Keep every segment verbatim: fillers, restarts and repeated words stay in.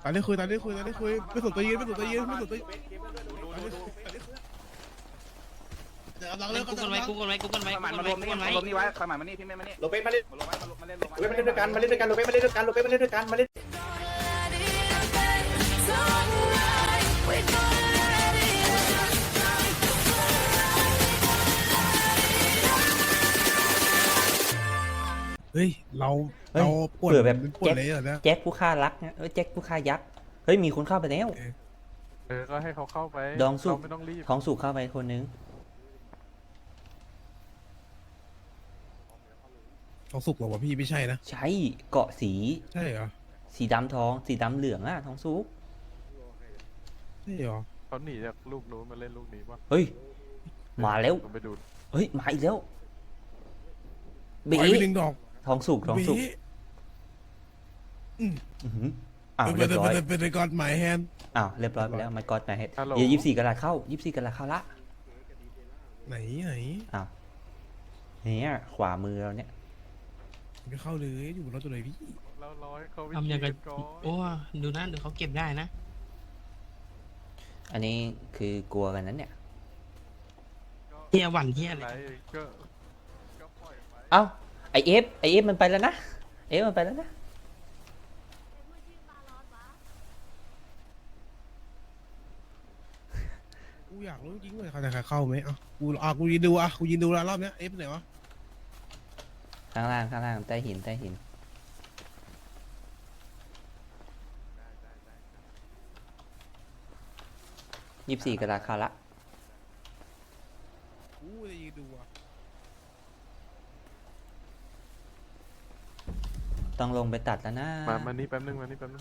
ตอนนี้คุยตอนนี้คุยตอนนี้คุยไม่สนตัวยืนไม่สนตัวยืนไม่สนตัวยืนเดี๋ยวกำลังเลิกกูกันไว้กูกันไว้กูกันไว้ขมันมารวมนี่มารวมนี่ไว้ขมันมานี่พี่ไม่มานี่โลเปสมาเล่นมาลงไว้มาเล่นลงโลเปสมาเล่นด้วยกันมาเล่นด้วยกันโลเปสมาเล่นด้วยกันโลเปสมาเล่นด้วยกันมาเล่นเฮ้ยเราเราปวดแบบปวดเลยเหรอเนี่ยแจ็คผู้ฆ่ารักนะเออแจ็คผู้ฆ่ายักษ์เฮ้ยมีคนเข้าไปแล้วเออก็ให้เขาเข้าไปดองสุกไม่ต้องรีบท้องสุกเข้าไปคนนึงทองสุกหรอวะพี่ไม่ใช่นะใช่เกาะสีใช่เหรอสีดำทองสีดำเหลืองอะท้องสุกใช่เหรอเขาหนีจากลูกนู้นมาเล่นลูกนี้ป่ะเฮ้ยมาแล้วผมไปดูเฮ้ยมาอีกแล้วเบปล่อยไปหนึ่งดอกท้องสุกท้องสุกเบ๊ะอื้อหืออ้าวเป็เรีนยบร้อยเป็นเป็นกอนหมายแฮนอ้าวเรียบร้อยไปแล้วไม่กอดมาเฮ็ดเดี๋ยวยี่สิบสี่กะลัดเข้ายี่สิบสี่กะลัดเข้าละไหนไหนอ้าวเนี่ยขวามือเราเนี่ยไม่เข้าเลยอยู่บนรถตัวไหนพี่เราร้อยเขาทำยังไงก่อนโอ้ดูนะเดี๋ยวเขาเก็บได้นะอันนี้คือกลัวกันนั้นเนี่ยเฮียหวั่นเฮียอะไรอะไรก็ก็ปล่อยไปเอ้าไอเอฟไอเอฟมันไปแล้วนะเอฟมันไปแล้วนะกูอยากรู้จริงเลยเขาจะเข้าไหมอ่ะกูอ่ะกูยืนดูอ่ะกูยืนดูแล้วรอบเนี้ยเอฟไหนวะข้างล่างข้างล่างใต้หินใต้หินยี่สิบสี่กะลัดเข้าละกูจะยืนดูอ่ะต้องลงไปตัดแล้วนะมามานี่แป๊บนึงมานี่แป๊บนึง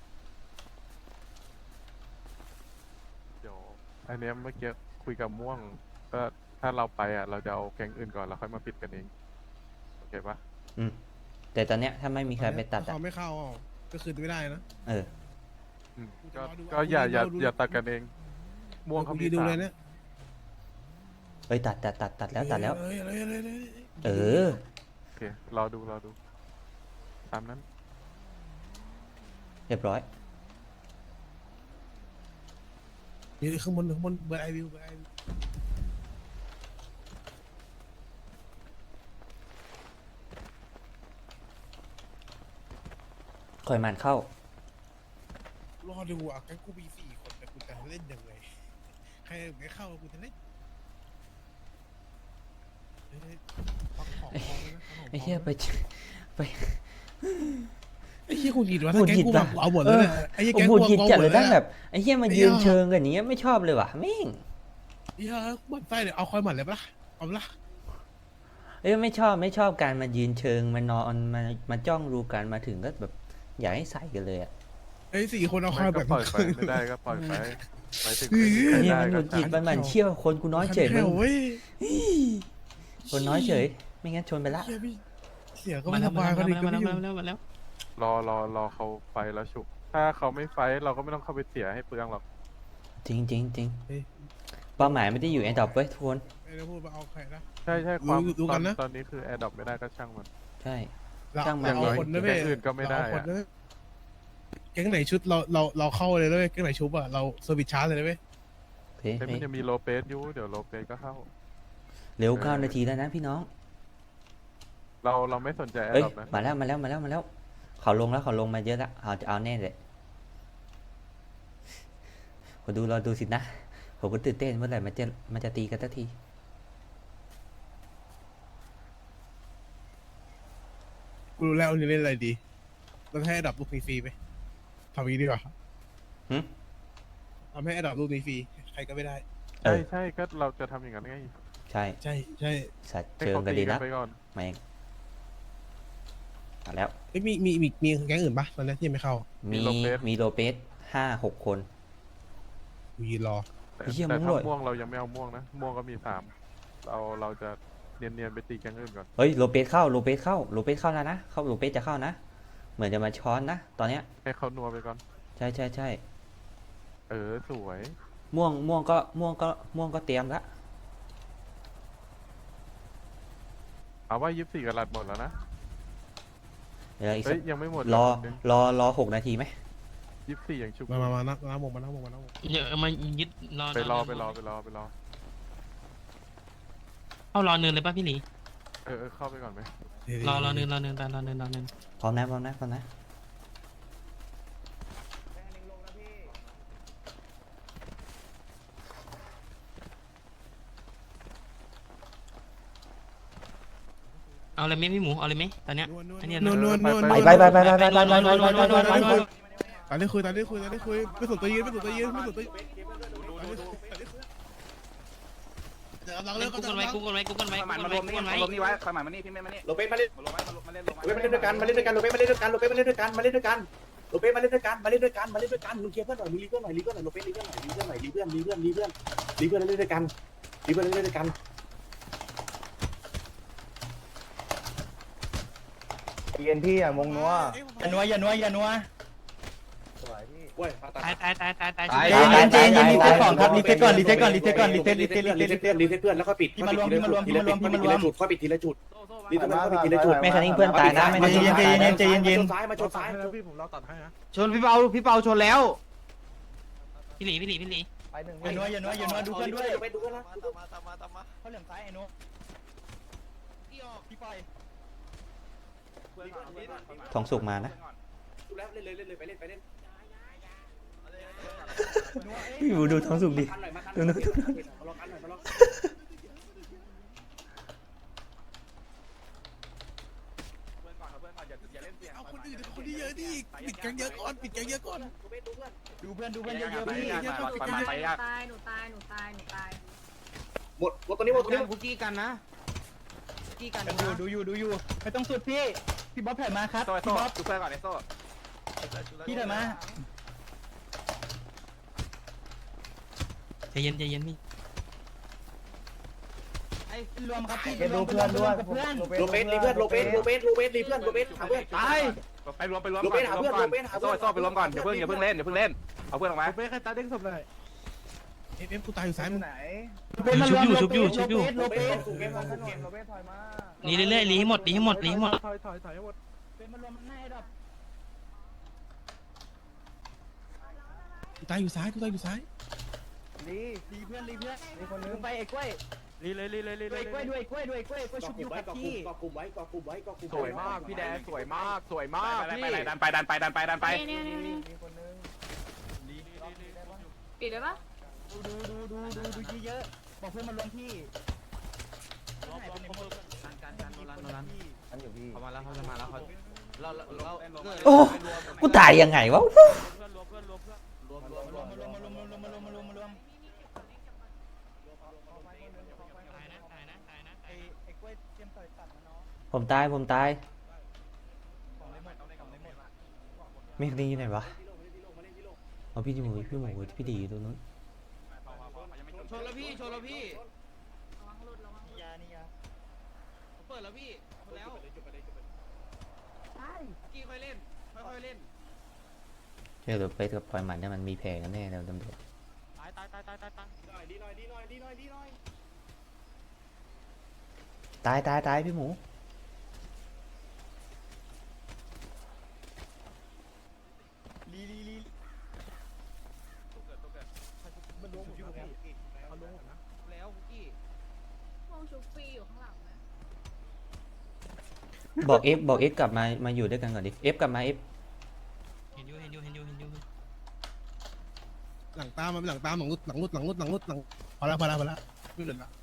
เดี๋ยวอันเนี้ยเมื่อกี้คุยกับม่วงก็ถ้าเราไปอ่ะเราจะเอาแก๊งอื่นก่อนแล้วค่อยมาปิดกันเองโอเคปะอืมแต่ตอนเนี้ยถ้าไม่มีใครไปตัดอ่ะเขาไม่เข้าอ่ะก็คืนไม่ได้นะเอออืมกูจะก็รอดูก็อย่าอย่าดูดูอย่าตัดกันเอง ม่วงกูเขามียืนดูสาเลมยเนี่ยเฮ้ยตัดตัดตัดตัดแล้วตัดแล้วเอ้ยเอ้ยเอ้ยเอ้ยเออโอเครอดูรอดูตามนั้นเรียบร้อยยืนข้างบนข้างบนเบอร์ไอวิวเบอร์ไอวิวคอยมันเข้ารอดูอ่ะแกกูมีสี่คนแต่กูจะเล่นยังไงใครไม่เข้ากูจะเล่นเฮ้ยปักของพร้อมเลยนะปักของพร้อมไอ้เหี้ยไปไปไอ้เหี้ยกูหยิดวะหงุถ้าดแกหงิดกูว่ะเอาหมดเลยนะไอ้เหี้ยผแกมกูหงุดหงิดเอาจัดหมเลดยเลยตั้งแบนะบไอ้เหี้ยมาไอ้ยืนเหี้ยเชิงกันอย่างเงี้ยไม่ชอบเลยว่ะแม่งไอ้เหี้ยมันไส้เดี๋ยวเอาคอยหมัดเลยปะล่ะเอาปะล่ะเอ้ยไม่ชอบไม่ชอบการมายืนเชิงมานอนมามาจ้องดูกันมาถึงก็แบบอยากให้ใส่กันเลยอ่ะไอ้สี่คนเอาคไม่อยก็แบบปล่อยไปไม่ได้ก็ปล่อยไปไปถึงเฮ้ยไอ้เหี้ยได้มันหก็งุดหงิดจัมันหมันเชี่ยวคนกูน้อยเฉยมึแค่งเว้ยคนน้อยเฉยไม่งั้นชนไปละเหี้ยพี่เสียก็มาไม่แล้สวมาบายแล้วก็ดีก็มาไม่แล้วอยู่มาแล้วมาแล้วรอรอรอเขาไฟแล้วฉุก ถ้าเขาไม่ไฟเราก็ไม่ต้องเข้าไปเสียให้เปลืองหรอกจริงจริงจริงเป้าหมายไม่ได้อยู่แอนดรอปเว้ยทุกคนไอ้เราพูดมาเอาใครนะใช่ใช่ความดูดูตกัอนนนะตอนนี้คือแอร์ดรอปไม่ได้ก็ช่างมันใช่เราช่างมันเราเอาคนนะเว้ยแก๊งอื่นก็ไม่ได้อะเราเอาคนนะเว้ยแก๊งไหนชุดเราเราเราเข้าเลยเลยแก๊งไหนชุบอะเราเซอร์วิสชาร์จเลยนะเว้ยเฮ้ยแต่มันเฮ้ยจะมีโลเปสอยู่เดี๋ยวโลเปสก็เข้าเร็วเก้านาทีแล้วนะพี่น้องเราเราไม่สนใจแอเอ้ยร์ดรอปนะมาแล้วมาแล้วมาแล้วมาแล้วเขาลงแล้วเขาลงมาเยอะแล้วเอาจะเอาแน่เลยขอดูรอดูสินะผมก็ตื่นเต้นเมื่อไหร่มันจะมันจะตีกันสักทีกูรู้แล้ววันนี้เล่นอะไรดีเราให้อันดับลูกนี้ฟรีไหมทำอย่างนี้ดีกว่าหึทำให้อันดับลูกนี้ฟรีใครก็ไม่ได้เอใช่อใช่ก็เราจะทำอย่างนั้นไงใช่ใช่ใช่สัตว์ให้เชิงเขากันตีดีกัแล้วนไปก่อนมาเองมาแล้วเอ้ยมีมีมีมีแก๊งอื่นปะตอนนี้ที่ยังไม่เข้ามีมีโลเปสห้าหกคนกูยืนรอแต่ไอ้เหี้ยแต่มึงถ้าด้วยม่วงเรายังไม่เอาม่วงนะม่วงก็มีสามเราเราจะเนียนๆไปตีแก๊งอื่นก่อนเฮ้ยโลเปสเข้าโลเปสเข้าโลเปสเข้าแล้วนะเข้าโลเปสจะเข้านะเหมือนจะมาช้อนนะตอนเนี้ยให้เขานัวไปก่อนใช่ใช่ใช่เออสวยม่วงม่วงก็ม่วงก็ม่วงก็เตรียมละเอาว่ายี่สิบสี่กะลัดหมดแล้วนะเดี๋ยวอีกสัเฮ้กยยังไม่หมดรอเดี๋ยวรอรอหกนาทีไหมยี่สิบสี่ยังชุบมามามานั่งนั่งวงมานั่งวงมานั่งวงเดี๋ยวมายึดรอไปรอไปรอไปรอไปรอเข้ารอเนินเลยป่ะพี่หลีเออเออเข้าไปก่อนไหมรอรอเนินรอเนินรอเนินรอเนินพร้อมนะพร้อมนะพร้อมนะเอาเลยไหมพี่หมูเอาเลยไหมตอนเนี้ยนวลนวลอันเนี้ยนวลนวลนวลไปไปไปไปไปไปไปไปไปไปไปตอนนี้คุยตอนนี้คุยตอนนี้คุยไม่สนตัวยืนไม่สนตัวยืนไม่สนตัวยืนเดี๋ยวกำลังเล่เลินกกุ๊กกันไว้กุ๊กกันไว้กุ๊กกันไว้คอยหมายกุ๊กมากันรไว้วมกุ๊กนี่กันไว้รวมนี่ไว้คอยหมายมานี่พี่แม่มานี่โลเป้มาเล่นมาลงไว้มาเล่นลงโลเป้มาเล่นด้วยกันมาเล่นด้วยกันโลเป้มาเล่นด้วยกันโลเป้มาเล่นด้วยกันมาเล่นด้วยกันโลเป้มาเล่นด้วยกันมาเล่นด้วยกันมาเล่นด้วยกันมึงเคลียร์เพื่อนหน่อยมึงรีเพื่อนหน่อยรีเพื่อนหน่อยโลเป้รีเพื่อนหน่อยรีเพื่อนหน่อยรีเพื่อนรีเพื่อนรีเพื่อนรีเพื่อนเล่นด้วยกันรีเพื่อนเล่นด้วยกันเย็นพี่อ่ะมงนัวอย่านัวอย่านัวอย่านัวเว้ยตายตายตายตายตายใจเย็นใจเย็นรีเซ็ตก่อนครับรีเซ็ตก่อนรีเซ็ตก่อนรีเซ็ตก่อนรีเซ็ตรีเซ็ตรีรีเซ็ตเซ็ตเพื่อนรีเซ็ตเพื่อนแล้วค่อยปิดพี่มารวมพี่มารวมพี่มารวมพี่มารวมค่อยปิดทีละจุดรีเซ็ตเพื่อนค่อยปิดทีละจุดไม่คันนิ่งเพื่อนตายนะไม่ใจคันนิ่งเย็นเพื่อนใจตายเย็นนะใจเย็นใจเย็นมาชนซ้ายมาชนซ้ายพี่ผมรอตัดให้นะชนพี่เปาพี่เปาชนแล้วพี่หลีพี่หลีพี่หลีอย่านัวอย่านัวอย่านัวดูเพื่อนด้วยไปดูเพื่อนนะเขาเหลี่ยมซ้ายไอ้นุพี่ปล่อยทองสุกมานะดูแล้วเล่นเลยเล่นเลยไปเล่นไปเล่นพี่หมูดูทองสุกดิคันหน่อยมาคันดูหน่นะอยมาลองคันหน่อยมาลองเอาคนอื่นคนที่เยอะดิปิดกันเยอะก่อนปิดกันเยอะก่อนดูเพื่อนดูเพื่อนเยอะๆพี่ไปยากตายหนูตายหนูตายหนูตายหมดหมดตัวนี้หมดตัวนี้คุกกี้กันนะคุกกี้กันดูดูอยู่ดูอยู่ไม่ต้องสุดพี่พี่บ๊อบแผ่มาครับโซ่พี่โซ่บ๊อบดูเพื่อนก่อนไอ้โซ่พี่ถอยมาใจเย็นใจเย็นพี่ไอ้รวมครับพี่รวมเพื่อนรวมกับเพื่อนโลเปสรีเพื่อนโลเปสโลเปสโลเปสรีเพื่อนโลเปสหาเพื่อนตายไปรวมไปรวมก่อนโซ่โซ่ไปรวมก่อนอย่าเพิ่งอย่าเพิ่งเล่นอย่าเพิ่งเล่นเอาเพื่อนออกมาไม่ใครตาเด้งศพเลยเอฟเอฟกูตายอยู่ซ้ายมึงชุบอยู่ชุบอยู่ชุบอยู่โลเปสสูงเกมสูงเกมหลีเรื่อยๆหลีให้หมดหลีให้หมดหลีให้หมดถอยถอยถอยให้หมดเป็นมารวมมันแน่ดอกกูตายอยู่ซ้ายกูตายอยู่ซ้ายลีลีเพื่อนลีเพื่อนมีคนนึงไปไอ้กล้วยลีเลยลีเลยลีด้เลวยยกล้วยด้วยกล้วยด้วยกล้วยกล้วยชุบอยู่ไว้กับกอพี่กลุ่มไว้กอกลุ่มไว้กอกลุ่มสวยมากพี่แดนสวยมากสวยมากไปพี่ไปดันไปดันไปดันไปดันไปเนี่ยเนี่ยเนี่ยปิดได้ปะดูดูดูดูดูดูเยอะๆบอกเพื่อนมารวมพี่หายไปไหนหมดการการการโนรันโนรันอันอยู่พี่เขามาแล้วเขาจะมาแล้วเขาเราเราเราโอ้กูตายยังไงวะรวมรวมรวมรวมรวมรวมรวมรวมรวมรวมรวมรวมรวมรวมตายนะตายนะตายนะไอ้ไอ้กล้วยเตรียมต่อยตัดมาเนาะผมตายผมตายของเลยหมดของเลยหมดเมฆนี่อยู่ไหนวะเอาพี่หมูพี่หมูพี่ดีอยู่ตรงนู้นชนแล้วพี่ชนแล้วพี่ระวังหลุดระวังหลุดยานี่ยาเปิดแล้วพี่ชนแล้วกี่ค่อยเล่นค่อยๆเล่นเจอตัวไปกับปล่อยหมันเนี่ยมันมีแผลกันแน่แล้วตำรวจตายตายตายตายตายตายดีหน่อยดีหน่อยดีหน่อยดีหน่อยตายตายตายพี่หมูลีลีลีมันรวมหมดอยู่แล้วเอารวมหมดนะแล้วคุกกี้วงชุบฟรีอยู่ข้างหลังนะบอกเอฟบอกเอฟกลับมามาอยู่ด้วยกันก่อนดิเอฟกลับมาเอฟเห็นอยู่เห็นอยู่เห็นอยู่เห็นอยู่หลังตามมันหลังตามหลังรุดหลังรุดหลังรุดหลังรุดหลังพอละพอละพอละไม่เหลือละ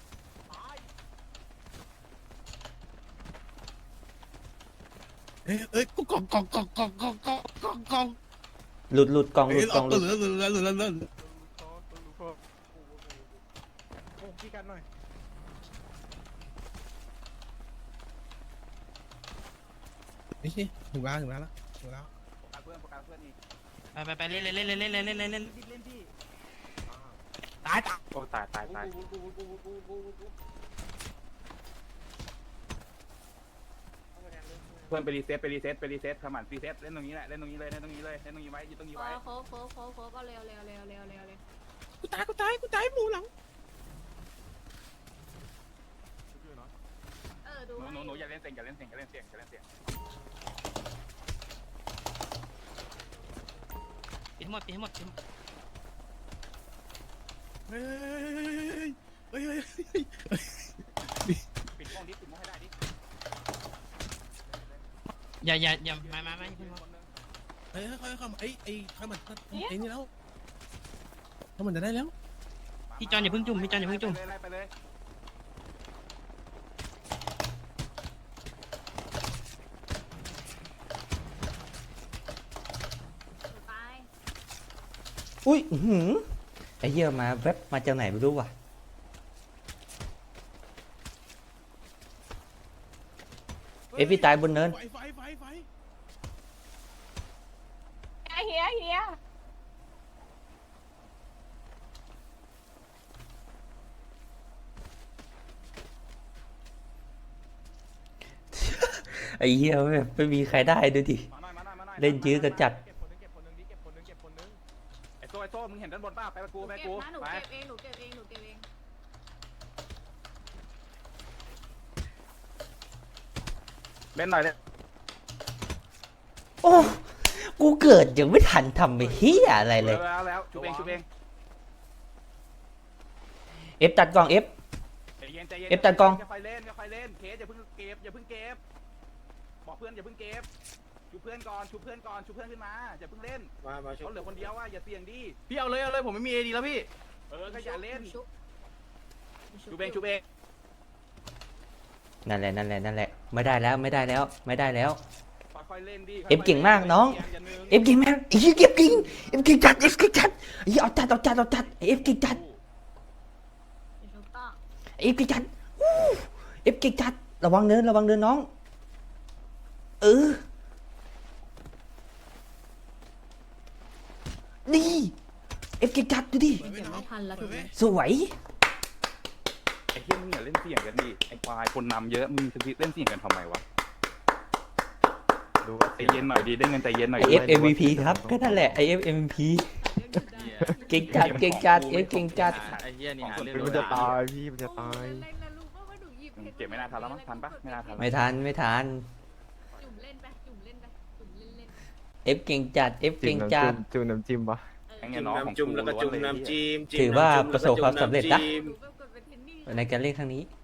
เอ้ยเอ้ยกูกองกองกองกองกองกองกองกองหลุดหลุดกองหลุเอ้ยดกเอาองหลุเหดลือเหลือเหลือเหลือเหลือโอ้พี่กันหน่อยนี่สิถึงแล้วถึงแล้วละถึงแล้วเพื่อนประกันเพื่อนนี่ไปไปไปเล่นเล่นเล่นเล่นเล่นเล่นเล่นเล่นเล่นเล่นพี่ตายตายโอ้ตายตายตายเพื่อนไปรีเซ็ตไปรีเซ็ตไปรีเซ็ตขมันรีเซ็ตเล่นตรงนี้แหละเล่นตรงนี้เลยเล่นตรงนี้เลยเล่นตรงนี้ไว้ยืนตรงนี้เอไว้อโคฟโคฟโคฟโคฟเอาเร็วเร็วเร็วเร็วเร็วเลยกูตายกูตายกูตายหมูหลังเออดูหนูให้หนูหนูอย่าเล่นเสียงอย่าเล่นเสียงอย่าเล่นเสียงอย่าเล่นเสียงหมดตีให้หมดตีให้หมดเฮ้ยเฮ้ยเฮ้ยเฮ้ยปิดห้องดิปิดห้องให้ได้ดิอย่าอย่าอย่ามามามาพี่หมูเฮ้ยค่อยๆเข้ามาไอ้ไอ้ข้ามันไอ้นี่แล้วข้ามันจะได้แล้วพี่จอนอย่าเพิ่งจุ่มพี่จอนอย่าเพิ่งจุ่มไล่ไปเลยตายอุ้ยอื้อหือไอ้เหี้ยมาแวบมาจากไหนไม่รู้ว่ะเอยพี่ตายบนเนินไฟไฟไฟไฟเฮียเฮียไอ้เหี้ยแบบไม่มีใครได้ดูดิมาหน่อยมาหน่อยมาหน่อยเล่นยื้อกันจัดเก็บคนนึงเก็บคนนึงดิเก็บคนนึงเก็บคนนึงไอ้โซ่ไอ้โซ่มึงเห็นด้านบนป่ะไปกับกูไปกับเก็บกูนะหนูไปเก็บเองหนูเก็บเองหนูเก็บเองเล่นหน่อยเลยโอ้กูเกิดยังไม่ทันทำไปเฮียอะไรเลยแล้วแล้วชุบเองชุบเองเอฟตัดกล่องเอฟใจเย็นใจเย็นเอฟตัดกล้องค่อยๆเล่นค่อยๆเล่นเคสอย่าเพิ่งเก็บอย่าเพิ่งเก็บบอกเพื่อนอย่าเพิ่งเก็บชูเพื่อนก่อนชูเพื่อนก่อนชูเพื่อนขึ้นมาอย่าเพิ่งเล่นมามาเขาเหลือคนเดียวว่าอย่าเสี่ยงดิพี่เอาเลยเอาเลยผมไม่มีเอดีแล้วพี่เออก็อย่าเล่นชุบชูเองชูเองนั่นแหละนั่นแหละนั่นแหละไม่ได้แล้วไม่ได้แล้วไม่ได้แล้วค่อยๆเล่นดิเอฟเก่งมากน้องย่าหนึ่งเอฟเก่งมากไอ้เหี้ยเก็บเก่งเอฟเก่งจัดเอฟเก่งจัดไอ้เหี้ยเอาจัดเอาจัดเอาจัดเอฟเก่งจัดชุบต่อเอฟเก่งจัดวู้เอฟเก่งจัดระวังเนินระวังเนินน้องเออนี่เอฟเก่งจัดดูดิเดี๋ยวไม่ทันแล้วถูกไหมสวยไอ้เหี้ยมึงอย่าเล่นเสี่ยงกันดิไอ้ควายคนนำเยอะมึงจะเล่นเสี่ยงกันทำไมวะดูว่าใจเย็นหน่อยดิเล่นกันใจเย็นหน่อยไอเอฟเอ็มวีพีครับก็นั่นแหละไอเอฟเอ็มวีพีเก่งจัดเก่งจัดเอฟเก่งจัดไอ้เหี้ยนี่หาเรื่องมันจะตายพี่มันจะตายเล่นนะลูกว่าว่าหนูหยิบเก็บไม่น่าทันแล้วมั้งทันปะไม่น่าทันไม่ทันไม่ทันจุ่มเล่นไปจุ่มเล่นไปจุ่มเล่นเล่นเอฟเก่งจัดเอฟจิ้เก่มงน้ำจัจิ้ดมจิ้มน้ำจิ้มปะไอ้เงี้ยน้องของจุ่มแล้วก็จุ่มล้วนเลยน้ำจิ้มถือว่าประสบความสำเร็จนะหนูแบบกดเป็นเทนนี่ในการเล่นครั้งนี้